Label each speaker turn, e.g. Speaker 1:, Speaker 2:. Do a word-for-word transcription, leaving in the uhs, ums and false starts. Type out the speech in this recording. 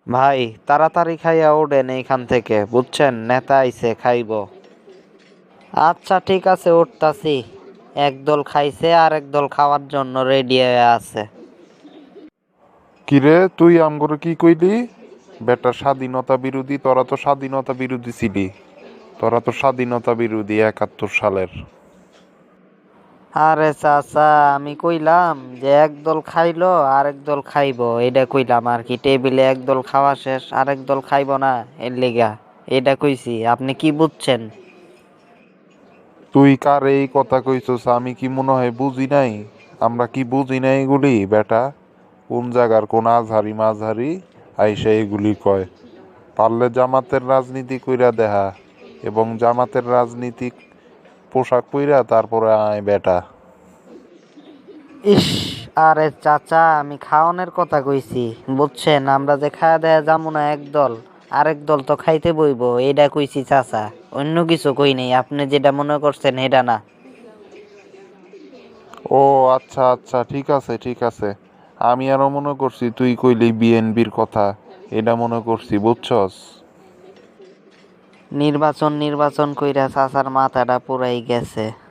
Speaker 1: ভাই তাড়াতাড়ি খাইয়া ওঠেন এইখান থেকে, বুঝছেন, নেতা আইছে খাইব। আচ্ছা ঠিক আছে, উঠতাছি। একদল খাইছে আর একদল খাওয়ার জন্য রেডি হয়ে আছে।
Speaker 2: কিরে তুই আমগরে কি কইলি? বেটা স্বাধীনতা বিরোধী, তোরা তো স্বাধীনতা বিরোধী ছিলি। তোরা তো স্বাধীনতা বিরোধী একাত্তর সালের।
Speaker 1: আরে চাচা, আমি কইলাম যে একদল খাইলো আর একদল খাইবো, এটা কইলাম আর কি। টেবিলে একদল খাওয়া শেষ, আর একদল খাইবো না, এর লিগা এটা কইছি। আপনি কি বুঝছেন?
Speaker 2: তুই কার এই কথা কইছস? আমি কি মনে হয় বুঝি নাই? আমরা কি বুঝি নাই এগুলি? বেটা কোন জায়গার কোন আজহারি মাঝহারি আইসা এগুলি কয়? পারলে জামাতের রাজনীতি কইরা দেহা, এবং জামাতের রাজনীতি পোশাক পইরা তারপরে আয় বেটা।
Speaker 1: ইস, আরে চাচা, আমি খাওয়ানোর কথা কইছি, বুঝছেন। আমরা যে খাওয়া দেয়া যাবো না একদল, আরেক দল তো খাইতে বইবো, এটা কইছি চাচা। অন্য কিছু কই নাই, আপনি যেটা মনে করছেন এটা না।
Speaker 2: ও আচ্ছা আচ্ছা, ঠিক আছে ঠিক আছে। আমি আরো মনে করছি তুই কইলি বিএনপির কথা, এটা মনে করছি, বুঝছস।
Speaker 1: নির্বাচন নির্বাচন কইরা চাচার মাথাটা পুরাই গেছে।